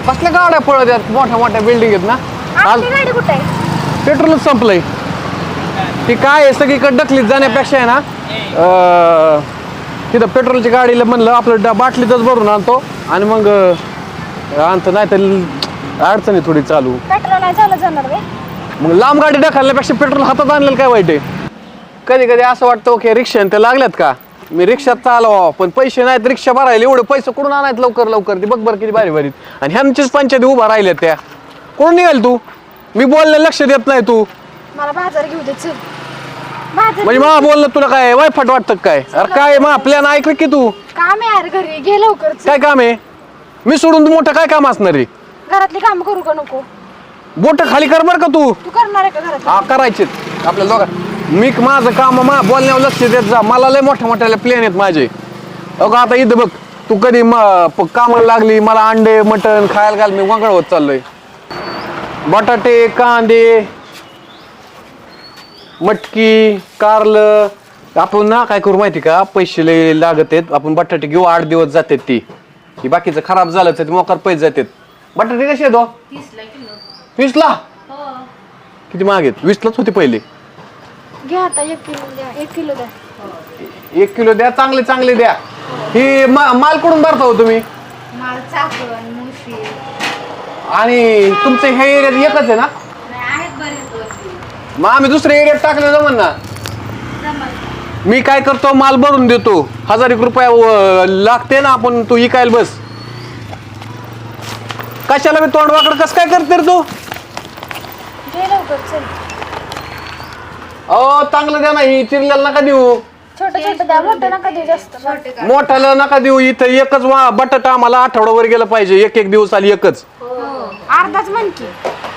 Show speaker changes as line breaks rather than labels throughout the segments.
कसल्या गाड्या पळत आहेत मोठ्या मोठ्या बिल्डिंग आहेत ना आज
आपली गाडी कुठे आहे?
पेट्रोलच संपलंय ती काय आहे सगळीकडे डकलीत जाण्यापेक्षा आहे ना तिथं पेट्रोलची गाडीला म्हणलं आपलं बाटलीतच भरून आणतो आणि मग आणतो नाही तर अडचण आहे थोडी चालू
पेट्रोल नाही चालत जाणार रे.
मग लांब गाडी ढकलण्यापेक्षा पेट्रोल हातात आणलेलं काय वाईट आहे कधी कधी असं वाटतं ओके रिक्षा ते लागल्यात का मी रिक्षात चालवा पण पैसे नाहीत रिक्षा भरायला एवढे पैसे कुठून आणायत लवकर लवकर ती बघ बरं किती भारी भारी आणि ह्यांचीच पंचायती उभा राहिल्यात त्या कोण निघाल तू मी बोलले लक्ष देत नाही तू
मला बाजार घेऊ दे चल. बाजार
म्हणजे मा बोललं तुला काय वायफट वाटतं काय अरे काय मा प्लॅन ऐकलं की तू
काम आहे यार घरी घे लवकर चल.
काय काम आहे मी सोडून तू मोठं काय काम असणार रे
घरातली काम करू का नको?
बोट खाली कर बरं का तू
तू करणार आहे का घरात?
हा करायचेत आपल्या दोघं मी माझं काम बोलण्यावर लक्ष देत जा मला लय मोठ्या मोठ्याला प्लेन आहेत माझे अगं आता इथं बघ तू कधी कामाला लागली मला अंडे मटण खायला घाल मी वगळ होत चाललोय बटाटे कांदे मटकी कारलं आपण ना काय करू माहिती का पैसे लय लागत आहेत आपण बटाटे घेऊ 8 दिवस जातात ती ही बाकीचं खराब झालं तर मोकार पैसे जातात बटाटे कसे येतो 20 ला किती महाग आहेत 20 लाच होते पहिले
घे आता 1 किलो द्या 1 किलो द्या
1 किलो द्या चांगले चांगले द्या ही माल कुठून भरता हो तुम्ही
माल चाकण मुशी
आणि तुमचं हे एरियात एकच आहे ना
आहेत बरेच
मग आम्ही दुसऱ्या एरियात टाकलं जमन ना मी काय करतो माल भरून देतो 1000 रुपये लागते ना आपण तू इकायला बस कशाला मी तोंड वाकड कस काय करते रे तू
घे लवकर चल.
अहो चांगलं द्या नाही चिरल्याला नका देऊ
छोटं छोटं द्या मोठं नका देऊ जास्त.
मोठ्याला नका देऊ इथं एकच बटाटा आम्हाला आठवड्यावर गेलं पाहिजे एक दिवस आली एकच
अर्धाच म्हण की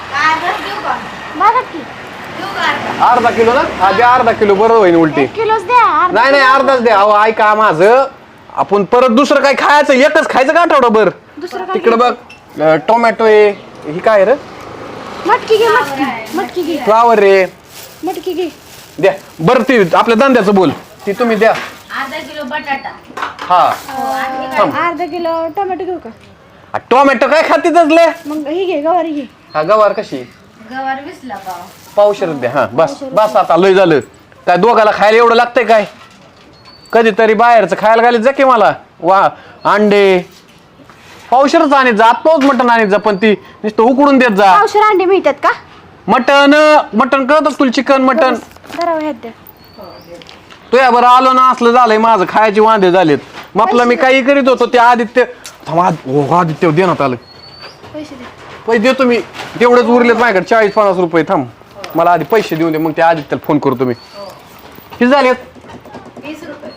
बघा की
अर्धा किलो ना हा द्या अर्धा किलो बरं होईल उलटी
1 किलोच द्या.
नाही नाही अर्धाच द्या अहो ऐका माझं आपण परत दुसरं काय खायचं एकच खायचं का आठवडाभर
दुसरं काय
तिकडे बघ टोमॅटो आहे ही काय रे
मटकी घे मटकी घे
फ्लावर रे
मटकी घे
द्या बरं ती आपल्या धंद्याचं बोल ती तुम्ही द्या
अर्धा किलो बटाटा
हा
अर्धा किलो टोमॅटो घेऊ का?
टोमॅटो काय खातीतच ले
मग ही घे गवारी घे.
हा गवार कशी
गवार 20 ला पाव
पावशेर द्या हा बस बस आता लय झालं काय दोघाला खायला एवढं लागतंय काय कधीतरी बाहेरचं खायला घालीत जा की मला वा अंडे पावशेरच आणत जा तोच मटण आणत जा पण ती नुसतं उकडून देत जा
पावशेर अंडे मिळतात का?
मटण कळत तुला चिकन मटण
धरावं ह्यात द्या.
तुया बरं आलो ना असलं झालंय माझं खायचे वांदे झालेत मग आपलं मी काही करीत होतो ते आदित्य आदित्य देण्यात आलं
पैसे दे.
पैसे देतो मी तेवढेच उरलेत माझ्याकडे 40-50 रुपये थांब मला आधी पैसे देऊन दे मग त्या आदित्यला फोन करतो मी किती झालेत
20 रुपये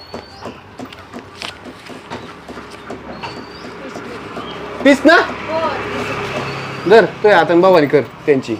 30 ना जर तुझ्या हाताने बाबानी कर त्यांची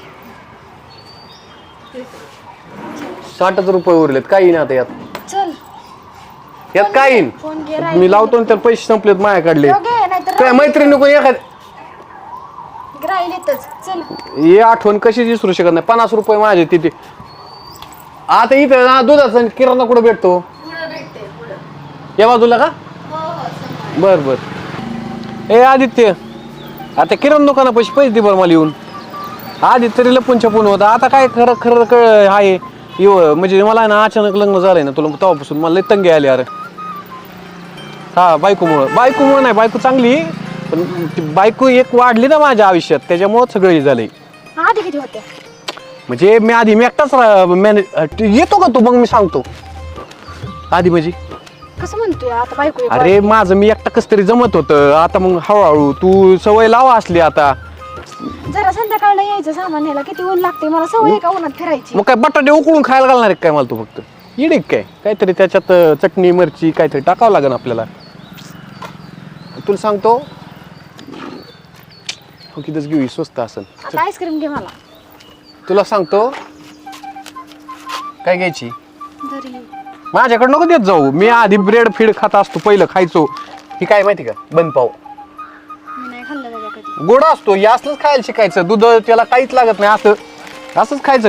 60 रुपये उरलेत काही ना आता यात
चल
यात काय येईन
फोन घे
मी लावतो ना तर पैसे संपलेत माझ्याकडले
घे नाहीतर
काय मैत्रीण नको एखाद
राहील येतच चल.
हे आठवण कशी विसरू शकत नाही 50 रुपये माझे तिथे आता इथं ना दुधाचा किराणा कुठं भेटतो
पुढं भेटते पुढं
या बाजूला का
हो हो समोर
बर बर ए आदित्य आता किराणा दुकाना पैसे दे बरं मला येऊन आधी तरी लपून छपून होता आता काय खरं खरं आहे म्हणजे मला आहे ना अचानक लग्न झालंय ना तुला तेव्हापासून मला लय तंगी आली अरे हा बायकोमुळं नाही बायको चांगली पण ती बायको एक वाढली ना माझ्या आयुष्यात त्याच्यामुळं सगळं हे झालंय
आधी किती होत्या?
म्हणजे मी एकटाच येतो का तू मग मी सांगतो आधी म्हणजे
कसं म्हणतोय आता बायको एक
अरे माझं मी एकटा कस तरी जमत होतं आता मग हळूहळू तू सवय लावा असली आता
वाढ. जरा संध्याकाळला यायचं सामान न्यायला किती ऊन लागते मला सवय आहे का उन्हात फिरायची.
मग काय बटाटे उकळून खायला घालणार आहे काय मला तू फक्त इडे काय काहीतरी त्याच्यात चटणी मिरची काहीतरी टाकावं लागेल आपल्याला तुला सांगतो हो कितीच घेऊ स्वस्त असेल
आता आईस्क्रीम घे मला.
तुला सांगतो काय घ्यायची
घरी
माझ्याकडे नको देत जाऊ मी आधी ब्रेड फीड खात असतो पहिलं खायचो ही काय माहिती का बन पाव
मी नाही खाल्लं बाबा कधी.
गोड असतो हे असलंच खायला शिकायचं दूध त्याला काहीच लागत नाही असंच खायचं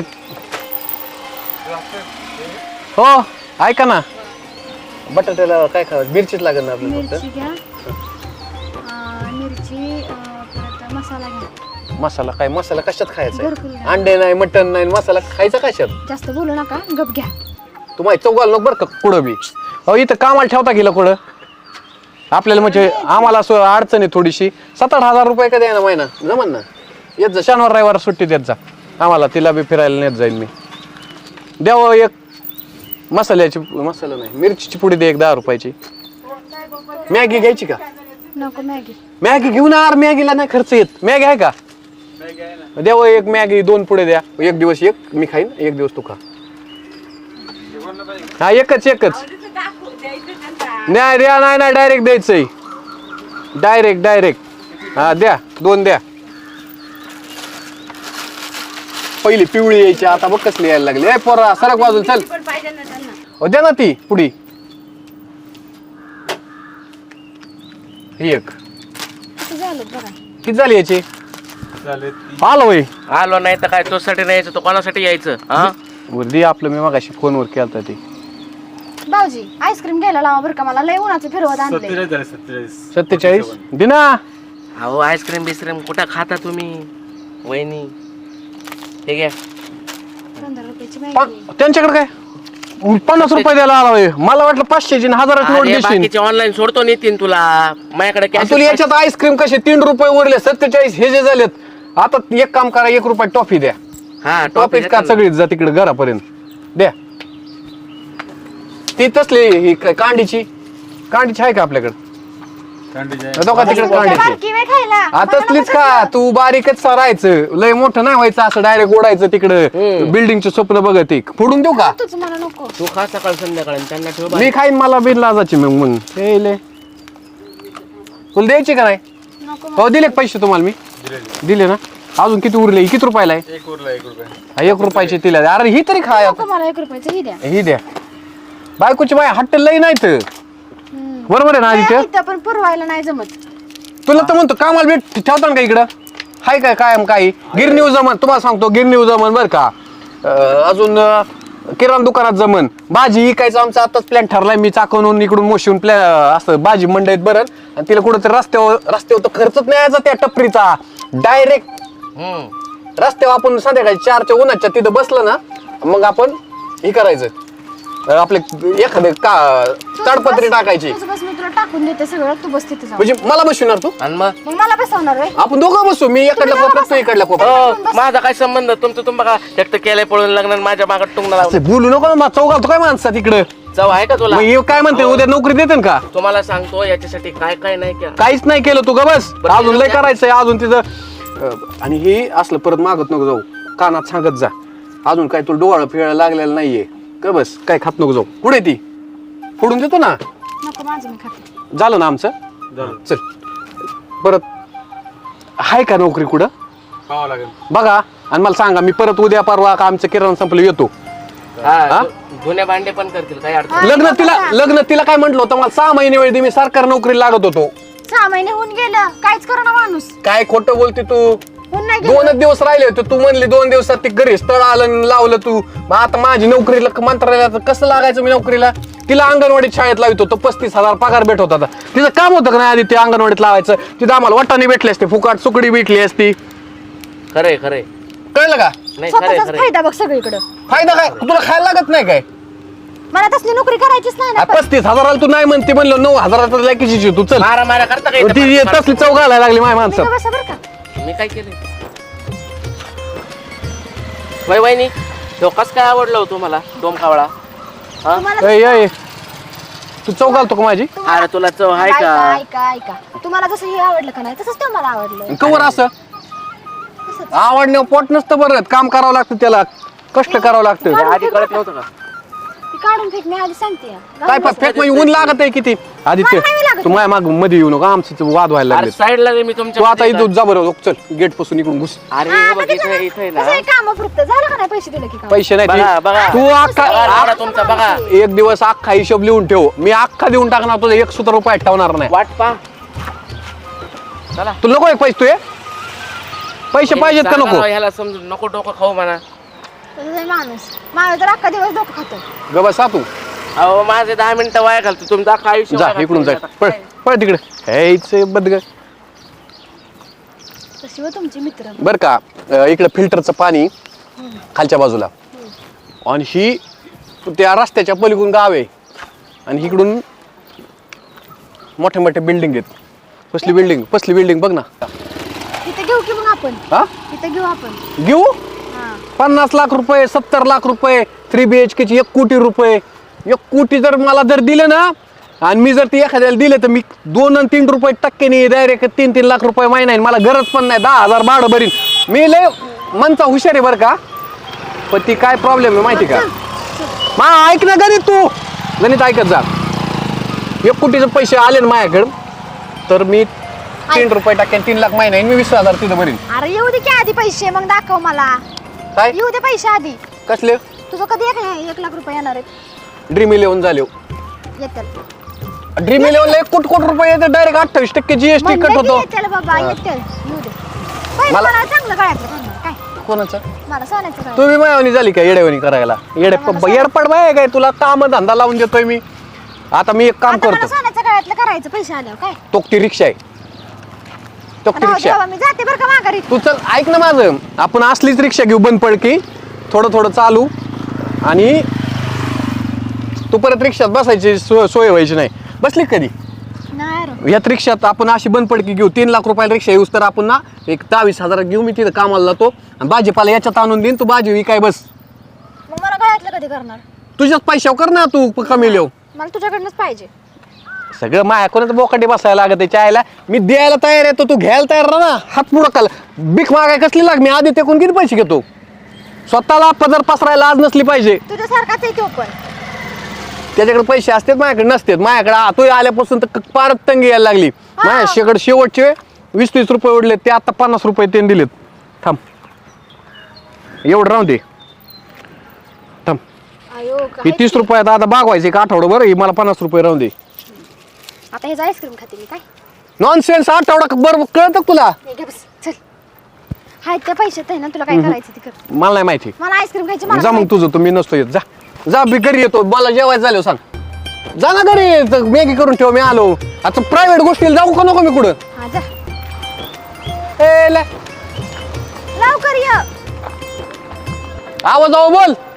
हो ऐका ना बटाट्याला काय खावं मिरचीच लागत ना आपल्याला फक्त
मिरची घ्या मिरची परत मसाला मसाला घ्या.
मसाला काय मसाला कशात खायचा
घरकुल घ्या.
अंडे नाही मटन नाही मसाला खायचा कशात
जास्त बोलू नका, गप घ्या.
तुम्हाला चौघाल नको बरं का कुठं बी अहो इथं कामाला ठेवता गेलं कुठं आपल्याला म्हणजे आम्हाला असं अडचण आहे थोडीशी 7-8 हजार रुपये का द्या ना महिना जमन ना येत जा शनिवार रविवार सुट्टी देत जा आम्हाला तिला बी फिरायला नेत जाईल मी द्यावं एक मसाला नाही मिरचीची पुडी दे 10 रुपयाची मॅगी घ्यायची का
नको मॅगी.
मॅगी घेऊन यार मॅगीला नाही खर्च येत मॅगी आहे का द्यावं एक मॅगी 2 पुढे द्या एक दिवस एक मी खाईन एक दिवस तू खा हा एकच नाही द्या नाही डायरेक्ट द्यायचंय डायरेक्ट हा द्या 2 द्या पहिली पिवळी यायची आता बघ कसली यायला लागली ए पोरा सरक बाजूला चल
पण पाहिजे ना त्यांना.
हो द्या ना ती पुढी ही एक
किती झालं बघा.
किती झाली याची आलो वय
आलो नाही तर काय तोसाठी नाही यायचं तो कोणासाठी यायचं हा
दे आपलं मी मगाशी फोनवर केलता ते
भाऊजी आईस्क्रीम घ्यायला लावा बरं का मला लय उन्हाचं फिरवत आणले.
47 दिना
अहो आईस्क्रीम बिस्क्रीम कुठं खाता तुम्ही वहिनी हे घ्या
15 रुपयाची मॅगी.
त्यांच्याकडे काय 50 रुपये द्यायला आला होय. मला वाटलं 500ची 1000ची नोट
अरे
देशील
बाकीचे ऑनलाईन सोडतो नेतीन तुला माझ्याकडे
आणि
कॅश
तुला याच्यात आईस्क्रीम कसे 3 रुपये उरले 47 हे जे झालेत आता एक काम करा 1 रुपये टॉफी द्या
हा
टॉफी का सगळीच जा तिकडे घरापर्यंत द्या ती तसली ही कांडीची आहे का आपल्याकडे दोघा तिकडे कांडीची
बारकी वेळ खायला.
आता तसलीच का तू बारीकच राहायचं लय मोठं नाही व्हायचं असं डायरेक्ट ओढायचं तिकडं बिल्डिंगचे स्वप्न बघत एक फोडून देऊ का
तुझं मला नको.
तू खा सकाळ संध्याकाळ आणि त्यांना ठेव
मी खाईन मला बिन लाजाची मग हे ले तुला द्यायची का नाही
नको
हो दिले का पैसे तुम्हाला मी दिले ना अजून किती उरले किती रुपयाला आहे 1 रुपयाचे तिला द्या. अरे ही तरी खाय
नको मला 1 रुपयाचं ही द्या.
ही द्या बायकोची बाय हट्ट लई नाही तर बरोबर आहे ना आदित्य
इथं पण पुरवायला नाही जमत.
तुला तर म्हणतो कामाला भेट ठेवता ना का इकडं हाय काय कायम काही गिरणी जमन तुम्हाला सांगतो गिरणी जमन बरं का अजून किराणा दुकानात जमन भाजी इकायचं आमचा आताच प्लॅन ठरलाय मी चाकवून इकडून मोशीहून प्लॅन असं भाजी मंडईत बरं आणि तिला कुठं रस्त्यावर तर खर्चच नाही यायचा त्या टपरीचा डायरेक्ट रस्त्यावर आपण संध्याकाळी 4च्या उन्हाच्या तिथं बसलं ना मग आपण हे करायचं आपले एखादं ताडपत्री टाकायची
तुझं बस मी तुला टाकून देते सगळं तू बस तिथे जाऊ.
म्हणजे मला बसवणार तू
आणि मग
मग मला बसवणार रे.
आपण दोघं बसू मी इकडल्या कोपऱ्यात तू इकडल्या कोपऱ्यात
हो, माझा काय संबंध तुमचं तुम्ही बघा एकटं केलंय पळून लग्न आणि माझ्या मागत टुंगणं लावलं
असं बोलू नको ना चौघाल तो काय माणसा तिकडं
चव आहे का तुला
मग हे काय म्हणते उद्या नोकरी देते का
तुम्हाला सांगतो याच्यासाठी काय काय नाही केलं
काहीच नाही केलं तू का बस
बरं,
अजून लय
द्या.
करायचंय अजून तिथं आणि हे असलं परत मागत नको जाऊ कानात सांगत जा अजून काय तुला डोळा फिरायला लागलेला नाहीये का बस काय खात नको जाऊ पुढे ती फोडून देतो ना
नको माझं मी खाते.
झालं ना आमचं चल परत हाय का नोकरी कुठं बघा आणि मला सांगा मी परत उद्या परवा का आमचं किराणा संपलं येतो
हा जुन्या भांडे पण करतील काही अडचण
लग्न तिला काय म्हटलं होतं मला 6 महिने वेळ दे मी सरकारी नोकरी लागत होतो
6 महिने होऊन गेलं काहीच करू ना माणूस.
काय खोटं बोलते तू
होऊन नाही गेलं.
2 दिवस राहिले होते तू म्हणली 2 दिवसात ते घरी स्थळ आलं आणि लावलं तू मग आता माझी नोकरीला मंत्रालयात कसं लागायचं मी नोकरीला तिला अंगणवाडीत शाळेत लावित होतो 35,000 पगार भेट होता तिचं काम होतं का नाही आधी ते अंगणवाडीत लावायचं तिथं आम्हाला वाटाणे भेटले असते फुकाट सुकडी भेटली असती
खरंय खरंय
कळलं का
नाही खरंय
स्वतःचाच
खरंय
फायदा बघ सगळीकडं.
फायदा काय तुला खायला लागत नाही काय
मला तसली नोकरी करायचीच नाही ना.
35,000 तू नाही म्हणते म्हणलं 9,000 लायकीची तू चल
मारा मारा करता काय
ती तसली चौक घालायला लागली माझ्या
मी
माणसं
का बसा बरं का.
मी काय केलं वहिनी तो कस काय आवडलं हो तुम्हाला डोम कावळा हा
तुम्हाला
ए तू चौक घालतो का माझी
अरे तुला चव आहे
ऐका
का
ऐका ऐका तुम्हाला जसं हे आवडलं का नाही तसंच ते मला आवडलं.
कवर असं आवडणं पोट नसतं बरं काम करावं लागतं त्याला कष्ट करावं लागतं
हे आधी कळत नव्हतं का
ती काढून फेक मी आधी सांगते या.
काय फेक म्हणजे ऊन लागत आहे किती आदित्य
मला नाही लागत.
तू माझ्या माग मध्ये येऊ नका आमचं वाद व्हायला
अरे
लागले
साईडला मी
तू
तुमच्या
आता इथून जा बरं चल गेट पासून इकडून घुस
अरे
हा,
हे
आता
बघ
ते
इथे इथे
कसं
ना
आहे कामापुरतं झालं का नाही पैसे दिले की काम.
पैसे नाही
बघा, बघा.
तू
बघा,
अख्खा
बघा तुमचा बघा
एक दिवस अख्खा हिशोब लिहून ठेव मी अख्खा देऊन टाकणार तुझं 1 सुद्धा रुपये ठेवणार नाही
वाट पा चला
तुला नको एक पैसे तू पैसे पाहिजेत का
सांगा
नको
राव, ह्याला समजून नको डोकं खाऊ म्हणा
तसंच आहे माणूस माझं तर अख्खा दिवस डोकं खातो.
ग बसा तू
अहो माझे 10 मिनिटं वाया घालतो तुमचं अख्खं आयुष्य
जा
वाया
इकडून
घालतो.
जा पळ पळ तिकडे हेच बदग
तशी अशी व तुमचे मित्र.
बरं का इकडं फिल्टरचं पाणी खालच्या बाजूला आणि ही त्या रस्त्याच्या पलीकडून गाव आहे आणि इकडून मोठे मोठे बिल्डिंग आहेत. कसली बिल्डिंग बघ ना.
इथे घेऊ की मग आपण.
हा
इथे घेऊ आपण.
घेऊ
हा
50 लाख रुपये 70 लाख रुपये 3 BHK ची 1 कोटी रुपये 1 कोटी जर मला जर दिले ना आणि मी जर ती एखाद्याला दिले तर मी 2 आणि 3 रुपये टक्क्याने डायरेक्ट 3-3 लाख रुपये महिना आहे. मला गरज पण नाही 10,000 भाडं भरीन मी. लय मनचा हुशार आहे बरं का. पण ती काय प्रॉब्लेम आहे माहिती का. मा ऐक ना गणित तू गणित ऐकत जा. 1 कोटीचे पैसे आले ना माझ्याकडं तर मी 3 रुपये टक्क्याने 3 लाख महिना आहे. मी 20,000 तिथं भरीन.
अरे येऊ दे की आधी पैसे मग दाखव मला.
काय
येऊ दे पैसे आधी.
कसले
तुझं कधी 1 लाख रुपये येणार आहेत.
ड्रीम 11 झाले.
येतील
ड्रीम 11 ला 1 कोटी रुपये येते डायरेक्ट 28% GST कट होतो.
येतील बाबा येतील. येऊ दे पहिले
मला-
मला चांगलं गळ्यातलं करणार काय.
कोणाचं
मला सोन्याचं गळ्यातलं.
तुम्ही मायावणी झाली का येड्यावणी करायला. येडपड बाय काय तुला काम धंदा लावून देतोय मी. आता मी एक काम
आता मला
करतो.
सोन्याचं गळ्यातलं करायचं पैसे आल्यावर काय.
तोक्ती रिक्षा आहे तोक्ती
राहू दे
रिक्षा.
बाबा, मी जाते बरं का माघारी.
तू चल ऐक ना माझं. आपण असलीच रिक्षा घेऊ बंद पडकी थोडं चालू आणि तू परत रिक्षात बसायची सोय व्हायची नाही. बसली का कधी
नाही रे.
यात रिक्षात आपण अशी बंद पडकी घेऊ 3 लाख रुपयाला रिक्षा येऊस तर आपण ना एक 22,000 घेऊ. मी तिथं कामाला जातो आणि भाजीपाला याच्यात आणून देईन. तू भाजी विकाय बस.
मग मला गळ्यातलं कधी करणार.
तुझ्याच पैशावर कर ना तू कमी लिहू.
मला तुझ्याकडनंच पाहिजे.
सगळं मायाकडूनच बोकाटी बसायला लागत चायला. मी द्यायला तयार आहे तर तू घ्यायला तयार राहा ना. हात पुढं काल भीक मागाय कसली लाग. मी आधी तेकून किती पैसे घेतो. स्वतःला पदर पसरायला आज नसली पाहिजे.
तुझ्यासारखाच आहे तो पण.
त्याच्याकडे पैसे असतात माझ्याकडे नसतात. माझ्याकडे तू आल्यापासून तर पारत तंगी यायला लागली. माझ्याकडे शेवटचे 20-30 रुपये उडले ते आता 50 रुपये त्यांनी दिलेत. थांब एवढं राहू दे. थांब
आयो
ही 30 रुपयात आता बागवायचे एक आठवडं बरं. ही मला 50 रुपये राहू दे.
आता हे आईस्क्रीम खाते मी काय.
नॉनसेन्स आठवडा बरं कळतं तुला.
हे घे बस चल. हाय त्या पैशात आहे ना तुला काय करायचं ते कर.
मला नाही माहिती.
मला आईस्क्रीम खायची. मला
जा मग तुझं तुम्ही नसतो येत. जा मी घरी येतो. मला जेवायचं झालं सांग. जा ना घरी मॅगी करून ठेव. मी आलो आता प्रायव्हेट गोष्टीला जाऊ का नको मी कुठं.
हा जा
ए
लवकर ये.
आवाज बोल.